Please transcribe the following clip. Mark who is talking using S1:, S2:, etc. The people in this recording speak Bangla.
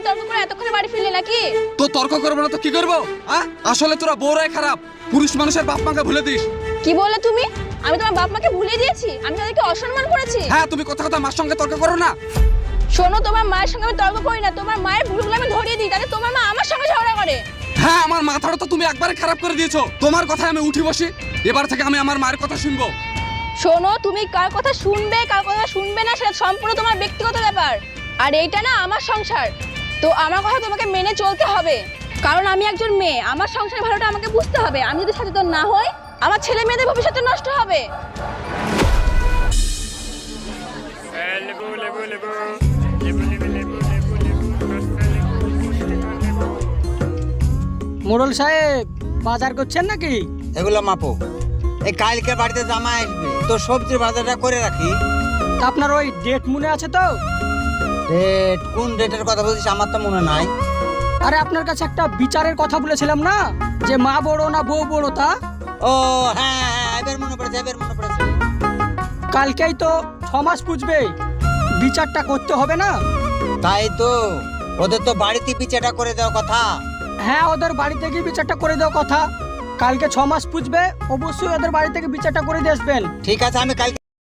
S1: তর্ক করে এতক্ষণে বাড়ি ফিরলে নাকি?
S2: তো তর্ক করবো না তো কি করবো? আসলে তোরা বউরাই খারাপ, পুরুষ মানুষের বাপ মাকে ভুলে দিস।
S1: কি বলে তুমি? আমি তোমার বাপ মাকে ভুলিয়ে দিয়েছি? আমি তাদেরকে অসম্মান করেছি?
S2: হ্যাঁ, তুমি কথা কথা মার সঙ্গে তর্ক করো না।
S1: শোনো, তোমার মায়ের সঙ্গে আমি তর্ক করি না, তোমার মায়ের ভুলগুলো আমি ধরিয়ে দিই, তাহলে তোমার মা আমার সঙ্গে ঝগড়া করে।
S2: হ্যাঁ, আমার মাথাটা তো তুমি একবারে খারাপ করে দিয়েছো। তোমার কথায় আমি উঠি বসি, এবার থেকে আমি আমার মায়ের কথা শুনবো।
S1: শোনো, তুমি কার কথা শুনবে কার কথা শুনবে না সেটা সম্পূর্ণ তোমার ব্যক্তিগত ব্যাপার। আর এইটা না আমার সংসার, তো আমার কথা তোমাকে মেনে চলতে হবে। কারণ আমি একজন মেয়ে, আমার সংসারের ভালোটা আমাকে বুঝতে হবে। আমি যদি সচেতন না হই, আমার ছেলে মেয়েদের ভবিষ্যৎ নষ্ট হবে।
S3: মোড়ল সাহেব, বাজার করছেন নাকি?
S4: এগুলো মাপো। এই কালকে বাড়িতে জামাই আসবে, তো সবজির বাজারটা করে রাখি।
S3: তা আপনার ওই ডেট মনে আছে তো?
S4: ডেট? কোন ডেটের কথা বলছিস? আমার তো মনে নাই।
S3: আরে আপনার কাছে একটা বিচারের কথা বলেছিলাম না, যে মা বড় না বউ বড় তা?
S4: ও হ্যাঁ হ্যাঁ, এবার মনে পড়েছে, এবার মনে পড়েছে।
S3: কালকেই তো 6 মাস পুজবে, বিচারটা করতে হবে না?
S4: তাই তো, ওদের তো বাড়িতে পিছাটা করে দেওয়া কথা।
S3: হ্যাঁ, ওদের বাড়ি থেকে বিচারটা করে দেওয়ার কথা। কালকে 6 মাস পুজবে, অবশ্যই ওদের বাড়ি থেকে বিচারটা করে দিয়ে আসবেন।
S4: ঠিক আছে, আমি কালকে